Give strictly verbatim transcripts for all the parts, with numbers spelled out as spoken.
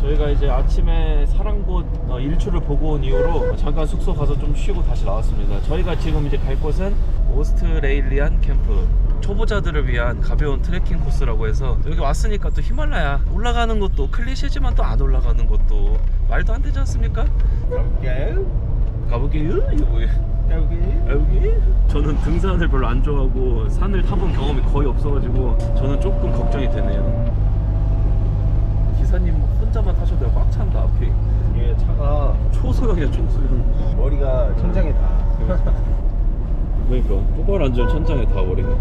저희가 이제 아침에 사랑곳 어, 일출을 보고 온 이후로 잠깐 숙소 가서 좀 쉬고 다시 나왔습니다. 저희가 지금 이제 갈 곳은 오스트레일리안 캠프, 초보자들을 위한 가벼운 트레킹 코스라고 해서 여기 왔으니까 또 히말라야 올라가는 것도 클리셰지만 또 안 올라가는 것도 말도 안 되지 않습니까? 가볼까요? 가볼게요. 이거 뭐예요? 가볼까요? 여기? 저는 등산을 별로 안 좋아하고 산을 타본 경험이 거의 없어가지고 저는 조금 걱정이 되네요. 기사님 혼자만 타셔도 돼요. 꽉 찬다 앞이. 얘 차가 초소형이야 초소형. 머리가 천장에 다. 그러니까 똑바로 앉으면 천장에 닿아버리네.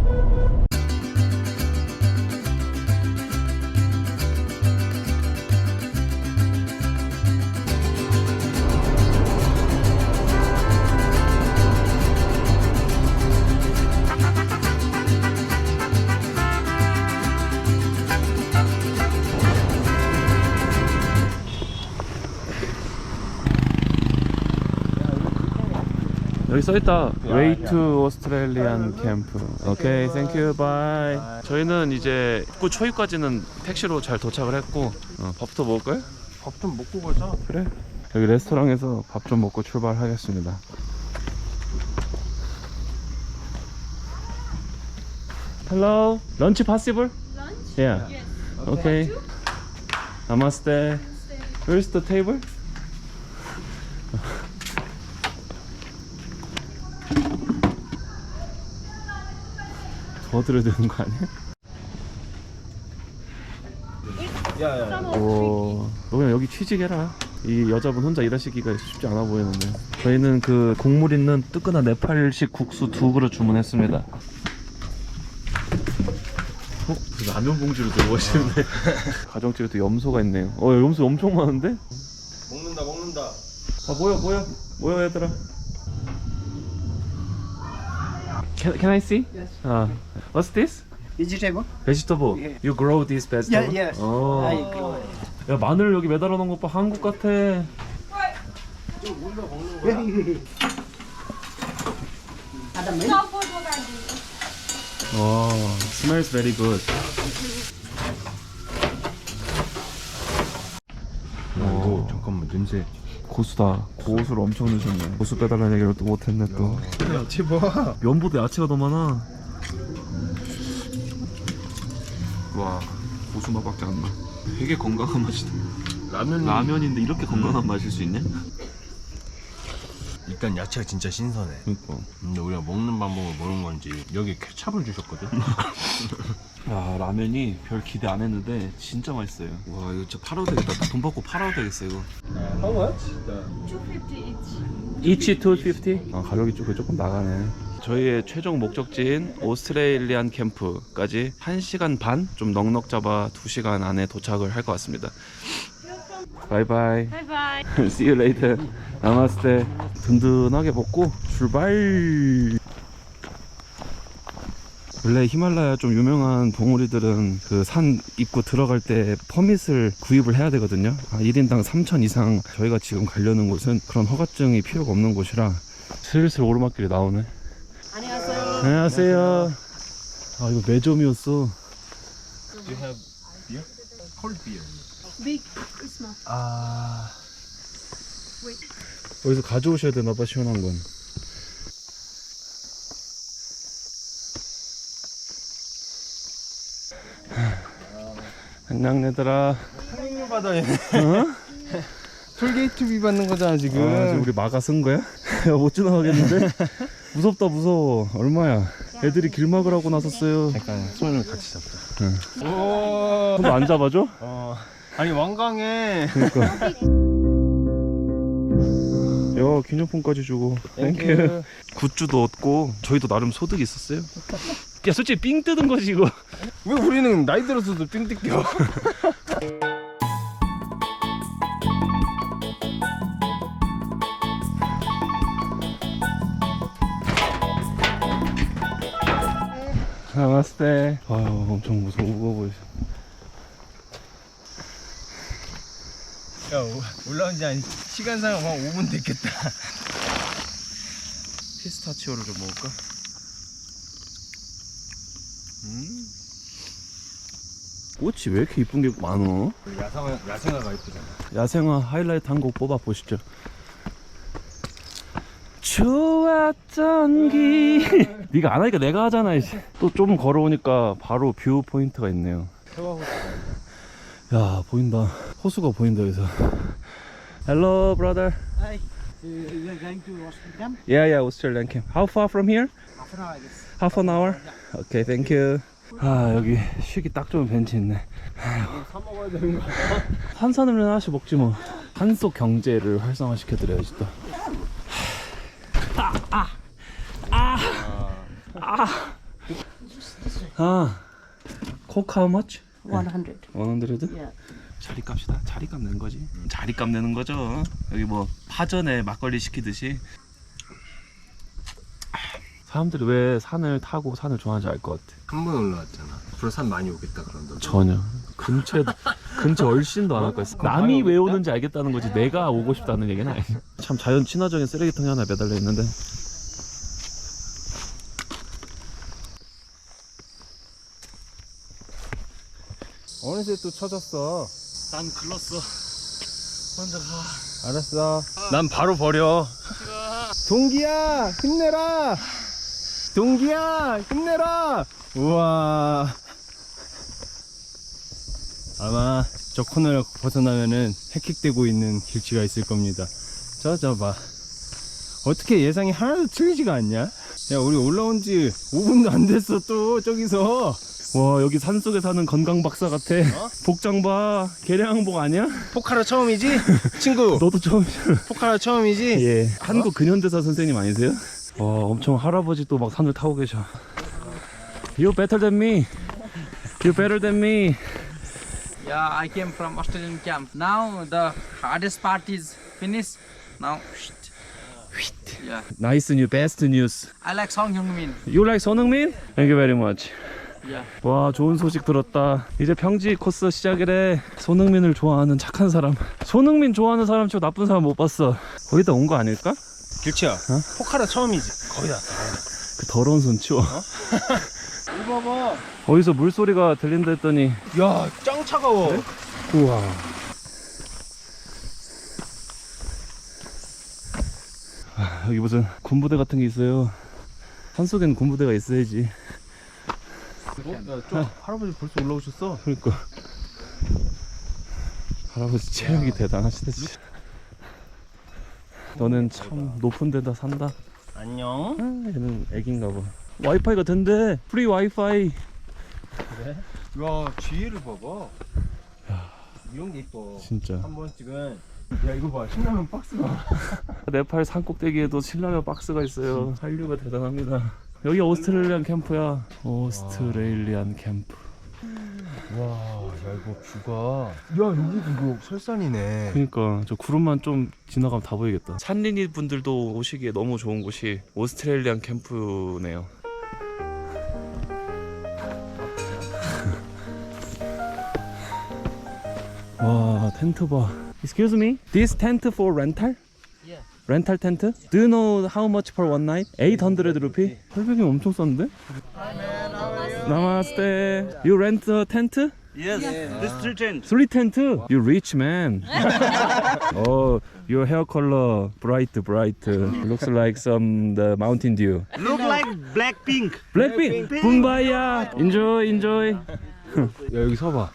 여기 써있다. Way to Australian Camp. 오케이, thank you, bye. 저희는 이제 입구 초입까지는 택시로 잘 도착을 했고 어, 밥부터 먹을까요? 밥 좀 먹고 가자. 그래. 여기 레스토랑에서 밥 좀 먹고 출발하겠습니다. Hello, lunch possible? Lunch? Yeah. Yes. Okay. Namaste. Where's the table? 더 드려야 되는 거 아니야? 야야. 오, 너 그냥 여기 취직해라. 이 여자분 혼자 일하시기가 쉽지 않아 보이는데. 저희는 그 국물 있는 뜨끈한 네팔식 국수 두 그릇 주문했습니다. 어? 라면 봉지로 들고 오시는데. 가정집에 또 염소가 있네요. 어, 염소 엄청 많은데? 먹는다 먹는다. 아, 모여 모여 모여 얘들아. Can, can I see? Yes. Uh, what's this? Vegetable? Vegetable. Yeah. You grow this vegetable? Yeah, yes. 어. I grow it. 야, 마늘 여기 매달아 놓은 것 봐. 한국 같아. Ada milk? 와, smells very good. 이거 잠깐만 냄새. 고수다. 고수를 엄청 넣으셨네. 고수 빼달라는 얘기를 또 못했네 또. 야채 봐. 면보다 야채가 더 많아. 와, 고수 맛밖에 안 나. 되게 건강한 맛이다. 라면 라면인데 이렇게 건강한 맛일 수 있냐? 일단 야채가 진짜 신선해. 그러니까. 근데 우리가 먹는 방법을 모르는 건지 여기 케찹을 주셨거든. 야, 라면이 별 기대 안 했는데 진짜 맛있어요. 와, 이거 진짜 팔아도 되겠다. 돈 받고 팔아도 되겠어 이거. How much? two fifty each. Each two fifty? 아, 가격이 조금 조금 나가네. 저희의 최종 목적지인 오스트레일리안 캠프까지 한 시간 반? 좀 넉넉 잡아 두 시간 안에 도착을 할 것 같습니다. 바이바이. Bye bye. See you later. 나마스테. 든든하게 먹고 출발. 원래 히말라야 좀 유명한 봉우리들은 그 산 입구 들어갈 때 퍼밋을 구입을 해야 되거든요. 아, 일 인당 삼천 이상. 저희가 지금 가려는 곳은 그런 허가증이 필요가 없는 곳이라 슬슬 오르막길이 나오네. 안녕하세요. 안녕하세요. 아, 이거 매점이었어. Do you have beer? Cold beer. Big small. 아. Wait. 여기서 가져오셔야 되나봐, 시원한 건. 안녕 얘들아. 상륙 받아야 어? 톨게이트비 받는 거잖아 지금. 아, 지금 우리 마가 쓴 거야? 야, 못 지나가겠는데? 무섭다 무서워. 얼마야? 애들이 길 막으라고 나섰어요. 잠깐 손을 같이 잡자. 응. 오. 손도 안 잡아줘? 어. 아니 완강해. 그러니까. 야, 기념품까지 주고. 땡큐. 굿즈도 얻고 저희도 나름 소득이 있었어요. 야, 솔직히 삥 뜯은 거지 이거. 왜 우리는 나이 들어서도 삥 뜯겨? 나마스테. 아유, 엄청 무서워 보이셔. 야 올라온 지 한 시간상 한 오 분 됐겠다. 피스타치오를 좀 먹을까? 음. 꽃이 왜 이렇게 이쁜 게 많어? 야생화, 야생화가 이쁘잖아. 야생화 하이라이트 한 곡 뽑아보시죠. 좋았던 기 네가 안 하니까 내가 하잖아. 이제 또 좀 걸어오니까 바로 뷰 포인트가 있네요. 야 보인다. 호수가 보인다 여기서. Hello brother. Hi. You are going to Australia? Yeah yeah Australian camp. How far from here? Half an hour, I guess. Half an hour? Okay thank you. 아 여기 쉬기 딱 좋은 벤치 있네. 사 먹어야 되는 거 아니야? 탄산음료 하나씩 먹지 뭐. 한속 경제를 활성화시켜 드려야지 또. 아, 아, 아, 아. 코크 how much? one hundred. one hundred? Yeah. 자리값이다. 자리값 내는 거지. 자리값 내는 거죠. 여기 뭐 파전에 막걸리 시키듯이. 사람들이 왜 산을 타고 산을 좋아하는지 알 것 같아. 한 번 올라왔잖아. 앞으로 산 많이 오겠다 그런다. 전혀. 근처에 근처 얼씬도 안 할 거야. 남이 왜 오는지 알겠다는 거지. 내가 오고 싶다는 얘기는 아니야. 참 자연 친화적인 쓰레기통이 하나 매달려 있는데. 어느새 또 찾았어. 난 글렀어. 혼자 가. 알았어. 난 바로 버려. 동기야 힘내라. 동기야 힘내라. 우와. 아마 저 코너를 벗어나면은 헥헥대고 있는 길치가 있을 겁니다. 저 저 봐. 어떻게 예상이 하나도 틀리지가 않냐? 야 우리 올라온 지 오 분도 안 됐어 또 저기서. 와 여기 산속에 사는 건강 박사 같아. 어? 복장 봐. 개량항복 아니야? 포카라 처음이지? 친구. 너도 처음이잖아. 포카라 처음이지? 예. 한국 근현대사 선생님 아니세요? 와 엄청 할아버지 또 막 산을 타고 계셔. You better than me. You better than me. Yeah, I came from Australian camp. Now the hardest part is finished. Now, yeah. Nice new best news. I like Song Hyung-min. You like 손흥민? Thank you very much. Yeah. 와 좋은 소식 들었다. 이제 평지 코스 시작이래. 손흥민을 좋아하는 착한 사람. 손흥민 좋아하는 사람 치고 나쁜 사람 못 봤어. 거기다 온 거 아닐까? 길치야. 포카라 처음이지? 거의 다. 그 더러운 손 치워. 이거 봐봐. 어디서 물소리가 들린다 했더니 야, 짱 차가워. 그래? 우와. 아, 여기 무슨 군부대 같은 게 있어요. 산속엔 군부대가 있어야지. 어? 야, 저 할아버지 벌써 올라오셨어? 그러니까 할아버지 체력이 대단하시다 진짜. 너는 참 높은 데다 산다. 안녕. 아, 얘는 애기인가 봐. 와이파이가 된대. 프리 와이파이. 그래? 야, 뒤에를 봐봐. 이런 게 이뻐. 진짜. 한 번씩은. 야, 이거 봐. 신라면 박스가. 네팔 산 꼭대기에도 신라면 박스가 있어요. 한류가 대단합니다. 여기 오스트레일리안 캠프야. 오스트레일리안 캠프. 와, 야, 이거 뷰가. 야, 여기도 이거 설산이네. 그러니까 저 구름만 좀 지나가면 다 보이겠다. 산린이 분들도 오시기에 너무 좋은 곳이 오스트레일리안 캠프네요. 와 텐트 봐. Excuse me, this tent for rental? Yeah. Rental tent? Do you know how much per one night? eight hundred rupee? 팔백이 엄청 싼데? Namaste. You rent a tent? Yes, this three tent. Three tent? You rich man. Oh, your hair color bright, bright. Looks like some the Mountain Dew. Look like black pink. Blackpink. 붐바야. Enjoy, enjoy. 야, 여기 서봐.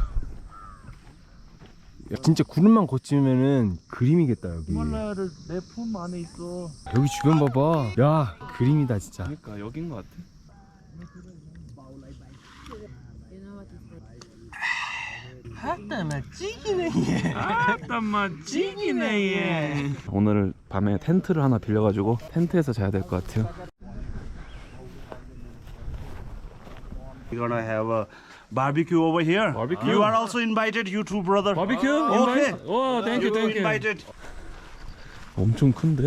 야, 진짜 구름만 거치면은 그림이겠다, 여기. 히말라야를 내 품 안에 있어. 여기 주변 봐봐. 야, 그림이다, 진짜. 그러니까 여긴 것 같아. 아따마 찌기네 얘. 오늘 밤에 텐트를 하나 빌려가지고 텐트에서 자야 될 것 같아요. We're gonna have a barbecue over here. Barbecue? You are also invited, you two brother. 바비큐? Okay. 인바이트? 와, 땡큐 You 땡큐. invited. 엄청 큰데?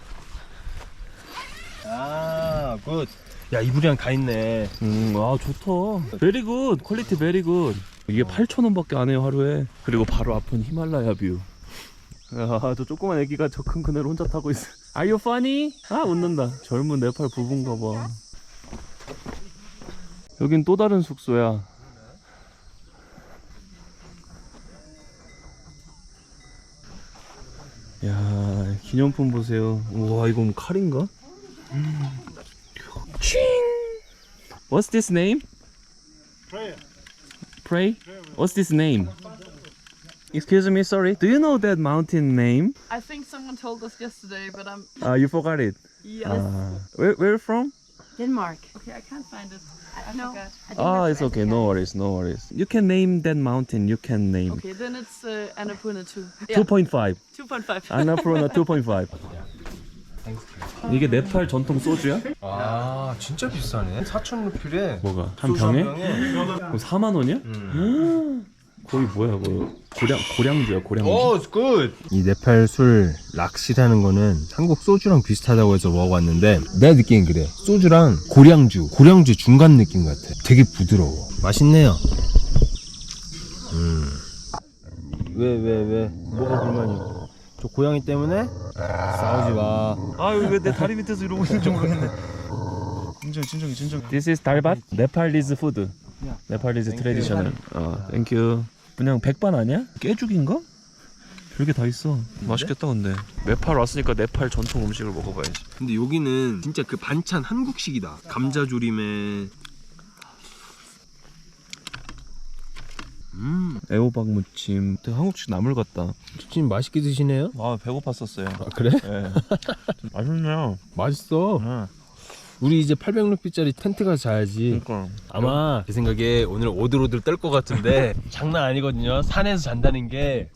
아, 굿. 야, 이불이랑 다 있네. 음, 아 좋다. 베리 굿. 퀄리티 베리 굿. 이게 팔천 원밖에 안 해요 하루에. 그리고 바로 앞은 히말라야 뷰. 야, 저 조그만 애기가 저 큰 그네를 혼자 타고 있어. Are you funny? 아 웃는다. 젊은 네팔 부부인가 봐. 여긴 또 다른 숙소야. 기념품 보세요. 우와, 이건 칼인가? 칭! What's this name? Pray. Pray? What's this name? Excuse me, sorry. Do you know that mountain name? I think someone told us yesterday, but I'm. Uh, you forgot it. Yes. Uh, where where from? Denmark. Okay, I can't find it. I No. forgot. I think Ah, that's it's what okay. I No worries, no worries. You can name that mountain. You can name. Okay, then it's uh, Annapurna two. two point five. two point five. Annapurna two point five. 이게 네팔 전통 소주야? 아 진짜 비싸네. 사천 루피래. 뭐가? 한 병에? 그럼 사만 원이야? 거의 뭐야, 뭐 고량 고량주야, 고량주. 오, 굿. 이 네팔 술 락시라는 거는 한국 소주랑 비슷하다고 해서 먹어봤는데 내가 느끼는 그래. 소주랑 고량주, 고량주 중간 느낌 같아. 되게 부드러워. 맛있네요. 음. 왜, 왜, 왜? 뭐가 불만이야? 저 고양이 때문에? 싸우지 마. 아유, 왜 내 다리 밑에서 이러고 있는지 모르겠네. 진정, 진정, 진정. This is 달밭? Nepalese food. Nepalese traditional. 어, thank you. 그냥 백반 아니야? 깨죽인가? 별게 다 있어. 맛있겠다 근데. 네팔 왔으니까 네팔 전통 음식을 먹어봐야지. 근데 여기는 진짜 그 반찬 한국식이다. 감자조림에 음, 애호박 무침. 되게 한국식 나물 같다. 지금 맛있게 드시네요? 아, 배고팠었어요. 아, 그래? 네. 맛있네요. 맛있어. 네. 우리 이제 팔백 루피짜리 텐트 가서 자야지. 그러니까. 아마 제 생각에 오늘 오들오들 떨 것 같은데 장난 아니거든요. 산에서 잔다는 게.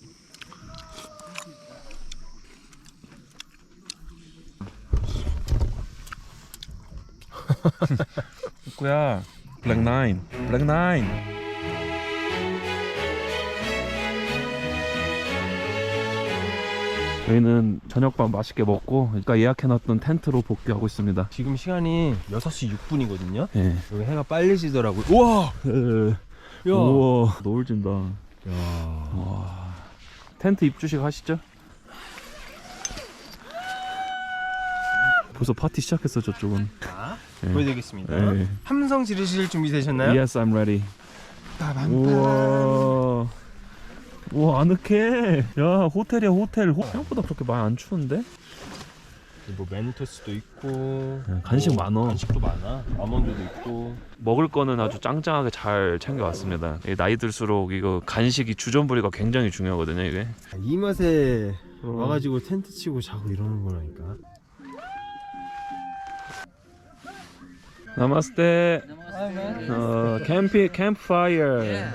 꾸야. 블랙 나인. 블랙 나인. 저희는 저녁밥 맛있게 먹고 그러니까 예약해놨던 텐트로 복귀하고 있습니다. 지금 시간이 여섯 시 육 분이거든요. 예. 여기 해가 빨리 지더라고요. 우와! 야. 우와, 노을 진다. 야. 와. 텐트 입주식 하시죠? 벌써 파티 시작했어 저쪽은. 자, 예. 보여드리겠습니다. 예. 함성 지르실 준비 되셨나요? Yes, I'm ready. 우와. 우와, 아늑해. 야, 호텔이야, 호텔. 호... 생각보다 그렇게 많이 안 추운데? 뭐 메누토스도 있고 간식 뭐 많어. 간식도 많아. 아몬드도 있고. 먹을 거는 아주 짱짱하게 잘 챙겨왔습니다. 나이 들수록 이거 간식이 주전부리가 굉장히 중요하거든요, 이게. 이 맛에 어. 와가지고 텐트 치고 자고 이러는 거라니까. 나마스테. 어, 캠피 캠프파이어.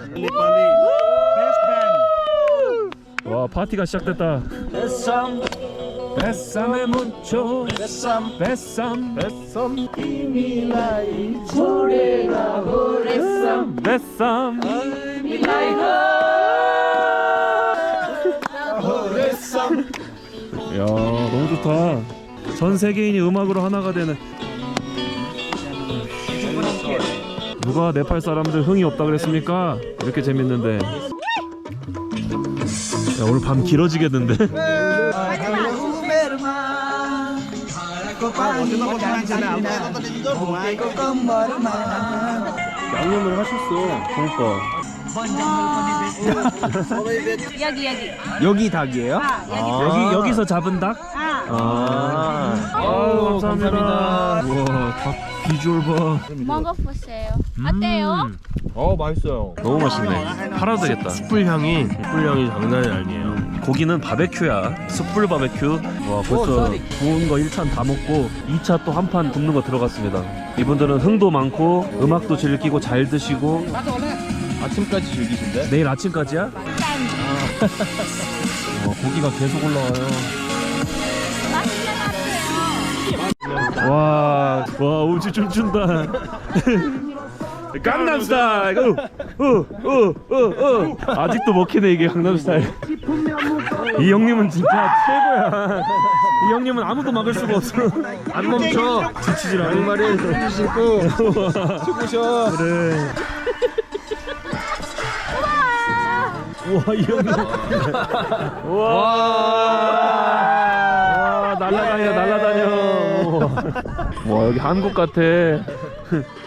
와, 파티가 시작됐다. 베쌈 베쌈에 묻혀 베쌈 베쌈 베쌈 이미라이 조레가 호레쌈 베쌈 호레쌈. 야, 너무 좋다. 전 세계인이 음악으로 하나가 되는. 누가 네팔 사람들 흥이 없다 그랬습니까? 이렇게 재밌는데. 야, 오늘 밤 길어지겠는데? 양념을 하셨어. 그러니까. 여기 여기. 여기 닭이에요? 여기 여기서 잡은 닭? 아, 아유, 감사합니다. 우와, 닭 비주얼 봐. 먹어보세요. 어때요? 어, 맛있어요. 너무 맛있네. 팔아도 되겠다. 숯불 향이, 숯불 향이 장난이 아니에요. 고기는 바베큐야. 숯불 바베큐. 와, 벌써 구운 거 일 찬 다 먹고 이 차 또 한 판 굽는 거 들어갔습니다. 이분들은 흥도 많고 음악도 즐기고 잘 드시고. 아침까지 즐기신대? 내일 아침까지야? 와, 고기가 계속 올라와요. 와, 와, 우지 춤춘다. 강남스타일. 어어어어 아직도 먹히네 이게 강남스타일. 이 형님은 진짜 최고야. 이 형님은 아무도 막을 수가 없어. 안 멈춰. 지치질 않아. 양말에 손도 신고 춤으셔. 그래. 우와, 이 형님. 우와. 와, 날라다녀, 날라다녀. 와, 여기 한국 같아.